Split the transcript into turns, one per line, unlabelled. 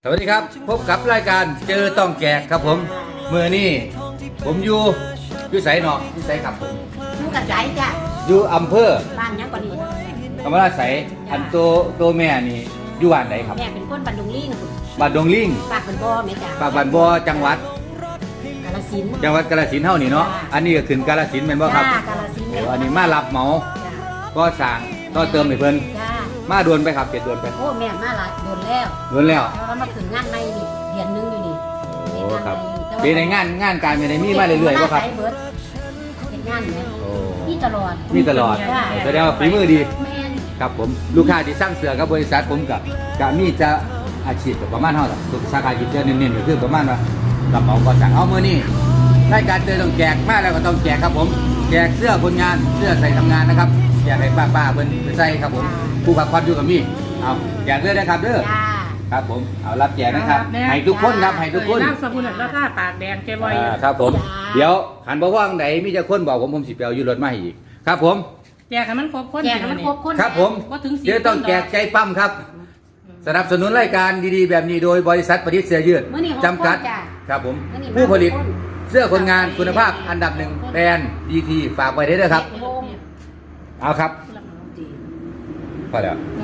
สวัสดีครับพบกับรายการเจอต้องแจกครับผมเมื่อนี้ผมอยู่ไสเนาะอยู่ไสครับผม
อยู่กับใจจ้ะ
อยู่อำเภอ
บ้านยังกว่านี้
ธรรมราชไสอันตัวแม่นี่อยู่บ้านไหนครับ
แม่เป็นคนบันดุงลิง
บ้านดงลิง
ปากเป็นบ่อแม่จ้ะ
ปากบ้านบ่อจังหวัด
กาฬสินธุ์
กาฬสินธุ์เฮานี่เนาะอันนี้ก็ขึ้นกาฬสินธุ์แม่นบ่ครับ
จ้ากาฬสินธุ์
โอ้อันนี้มารับเหมา
จ้ะ
ก็สร้างก็เติมให้เพิ่น
จ้า
มาด่วนไปครับเจ็ดด่วนไป
โอ้แม่มาหลายโดนแล้ว
ด่วนแล้ว
แล้วมาถึงงานในนี่เดือนนึงอยู่นี่
โอ้ครับเป็นในงานการเป็นในมีมาเรื่อยๆบ่ครับ
เฮ็ดงานเนี่ย
โอ้
มีตลอด
มีตลอด
จ้ะ
แสดงว่าฝีมือดี
แม่น
ครับผมลูกค้าที่สร้างเสือกับบริษัทผมกับมีจะอาชีพกับประมาณเท่าไหร่ทุกสาขากิจการเน้นๆก็คือประมาณว่ารับเหมาก่อสร้างเอามือนี่รายการเตือนต้องแจกมาแล้วก็ต้องแจกครับผมแจกเสื้อคนงานเสื้อใส่ทำงานนะครับแจกให้ป้าๆเพิ่นไปใส่ครับผมผู้พักผ่อนอยู่กับมีเอาแจกเลยนะครับเด้อ
จ้า
ครับผมเอารับแจกนะครับให้ทุกคนครับให้ทุกคน
น้ำสมุนแล้วถ้าปากแดงเจบอย
ครับผมเดี๋ยวหันบ่ว่างไหนมีจะคนบอกผมสิไปเอาอยู่รถมาให้อีกครับผม
แจกให้มันครบคน
แจกให้มันครบคน
ครับผม
ว่าถึง4
เดี๋ยวต้องแจกใจปั้มครับ สนับสนุนรายการดีๆแบบนี้โดยบริษัทประดิษฐ์เสื้อยืด
มื้อนี้
จำกัด
จ้ะ
ครับผม
มื้อนี้
ผู้ผลิต
หกคน
เสื้อคนงานคุณภาพอันดับหนึ่งแบรนด์ดีทีฝากไว้ได้ด้วยครับ
โฮม
เอาครับพอแล้ว
น